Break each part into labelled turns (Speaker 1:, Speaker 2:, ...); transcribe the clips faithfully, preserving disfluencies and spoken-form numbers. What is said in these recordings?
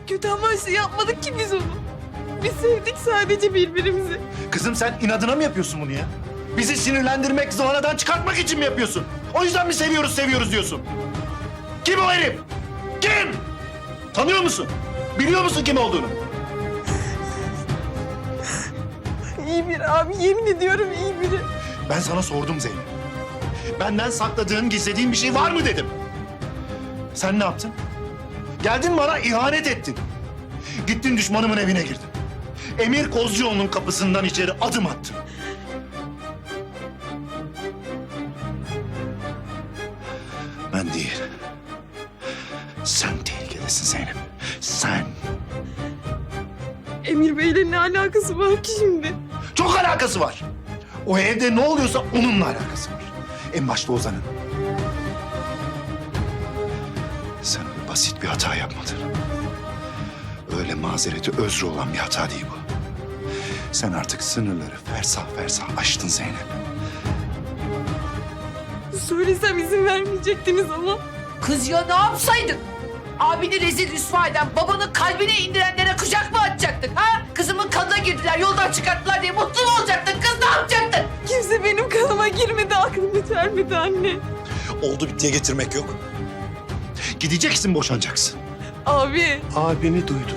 Speaker 1: Kötü amaçlı yapmadık ki biz onu. Biz sevdik sadece birbirimizi.
Speaker 2: Kızım sen inadına mı yapıyorsun bunu ya? Bizi sinirlendirmek, zıvanadan çıkartmak için mi yapıyorsun? O yüzden mi seviyoruz seviyoruz diyorsun? Kim o herif? Kim? Tanıyor musun? Biliyor musun kim olduğunu?
Speaker 1: İyi biri abi, yemin ediyorum iyi biri.
Speaker 2: Ben sana sordum Zeynep. Benden sakladığın, gizlediğin bir şey var mı dedim. Sen ne yaptın? Geldin bana ihanet ettin. Gittin düşmanımın evine girdin. Emir Kozcuoğlu'nun kapısından içeri adım attın. Ben değil. Sen tehlikedesin Zeynep. Sen.
Speaker 1: Emir Bey'le ne alakası var ki şimdi?
Speaker 2: Çok alakası var. O evde ne oluyorsa onunla alakası var. En başta Ozan'ın. Sen öyle basit bir hata yapmadın. Öyle mazereti özrü olan bir hata değil bu. Sen artık sınırları fersah fersah aştın Zeynep.
Speaker 1: Söylesem izin vermeyecektiniz ama.
Speaker 3: Kız ya ne yapsaydın? Abini rezil rüsva eden, babanın kalbine indirenlere kucak mı açacaktın ha? Kızımın kanına girdiler, yoldan çıkarttılar diye mutlu mu olacaktın? Kız ne yapacaktın?
Speaker 1: Kimse benim kanıma girmedi, aklımı vermedi anne.
Speaker 2: Oldu bittiye getirmek yok. Gideceksin, boşanacaksın.
Speaker 1: Abi,
Speaker 4: Abini duydu.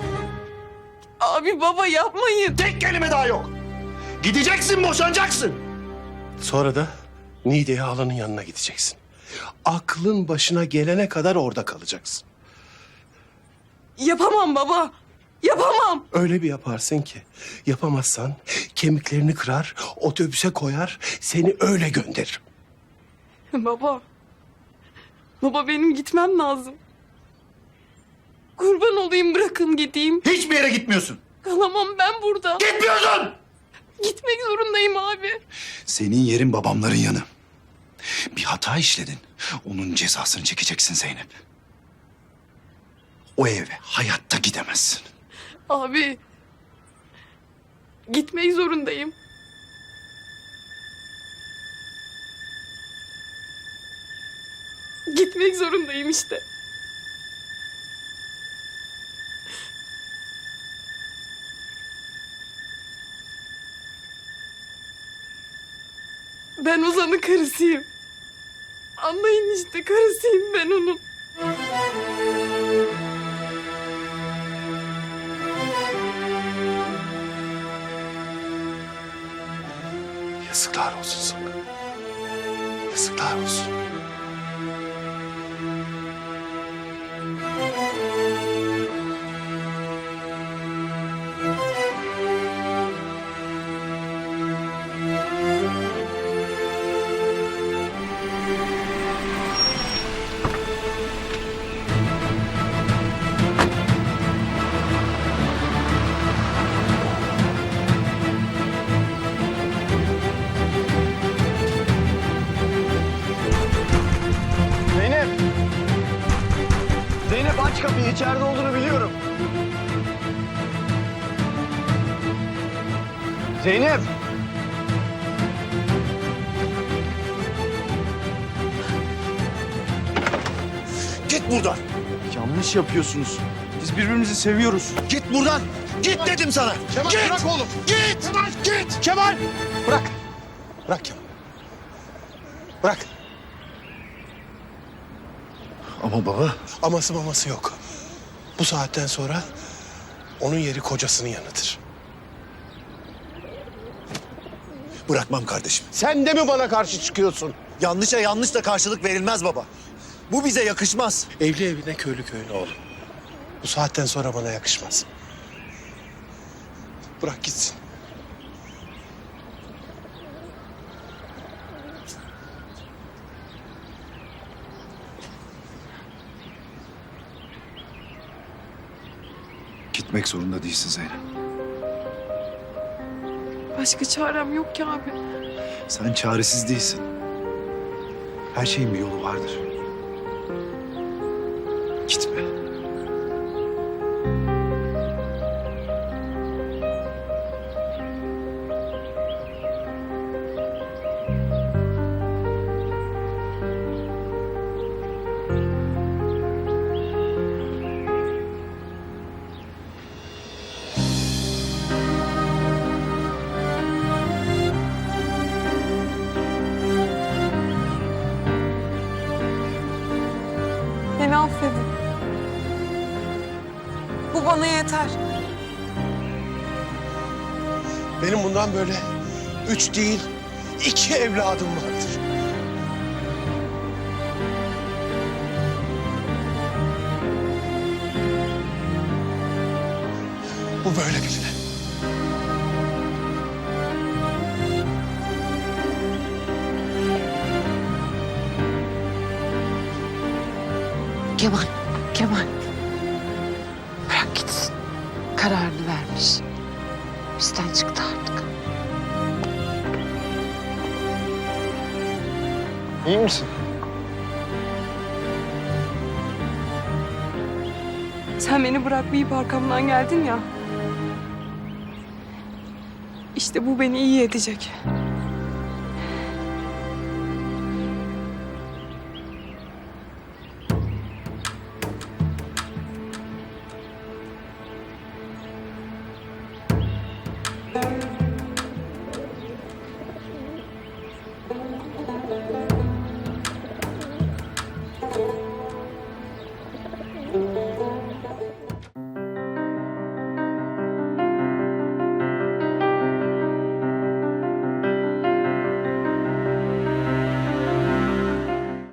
Speaker 1: abi baba yapmayın.
Speaker 2: Tek kelime daha yok. Gideceksin, boşanacaksın.
Speaker 4: Sonra da Niğde'ye halanın yanına gideceksin. Aklın başına gelene kadar orada kalacaksın.
Speaker 1: Yapamam baba. Yapamam.
Speaker 4: Öyle bir yaparsın ki yapamazsan kemiklerini kırar, otobüse koyar, seni öyle gönderirim.
Speaker 1: Baba. Baba benim gitmem lazım. Kurban olayım, bırakın gideyim.
Speaker 2: Hiçbir yere gitmiyorsun.
Speaker 1: Kalamam ben burada.
Speaker 2: Gitmiyorsun.
Speaker 1: Gitmek zorundayım abi.
Speaker 2: Senin yerin babamların yanı. Bir hata işledin. Onun cezasını çekeceksin Zeynep. O eve hayatta gidemezsin.
Speaker 1: Abi. Gitmek zorundayım. Gitmek zorundayım işte. Ben Ozan'ın karısıyım. Anlayın işte, karısıyım ben onun.
Speaker 4: Yazıklar olsun sana. Yazıklar olsun.
Speaker 5: Zeynep! Zeynep aç kapıyı, içeride olduğunu biliyorum. Zeynep!
Speaker 2: Git buradan.
Speaker 5: Yanlış yapıyorsunuz. Biz birbirimizi seviyoruz.
Speaker 2: Git buradan. Git dedim sana.
Speaker 4: Kemal
Speaker 2: Git.
Speaker 4: bırak oğlum.
Speaker 2: Git.
Speaker 4: Kemal
Speaker 2: Git.
Speaker 4: Kemal! Bırak. Bırak Kemal. Bırak.
Speaker 2: Ama baba.
Speaker 4: Aması maması yok. Bu saatten sonra onun yeri kocasının yanıdır.
Speaker 2: Bırakmam kardeşim.
Speaker 4: Sen de mi bana karşı çıkıyorsun?
Speaker 2: Yanlışa yanlış da karşılık verilmez baba. Bu bize yakışmaz.
Speaker 4: Evli evine, köylü köyüne oğlum. Bu saatten sonra bana yakışmaz. Bırak gitsin.
Speaker 2: Gitmek zorunda değilsin Zeynep.
Speaker 1: Başka çarem yok ki abi.
Speaker 2: Sen çaresiz değilsin. Her şeyin bir yolu vardır. Gitme.
Speaker 1: Bu bana yeter.
Speaker 4: Benim bundan böyle üç değil, iki evladım vardır. Bu böyle biline.
Speaker 3: Kemal, Kemal. Bırak gitsin. Kararını vermiş. Bizden çıktı artık.
Speaker 5: İyi misin?
Speaker 1: Sen beni bırakmayıp arkamdan geldin ya. İşte bu beni iyi edecek.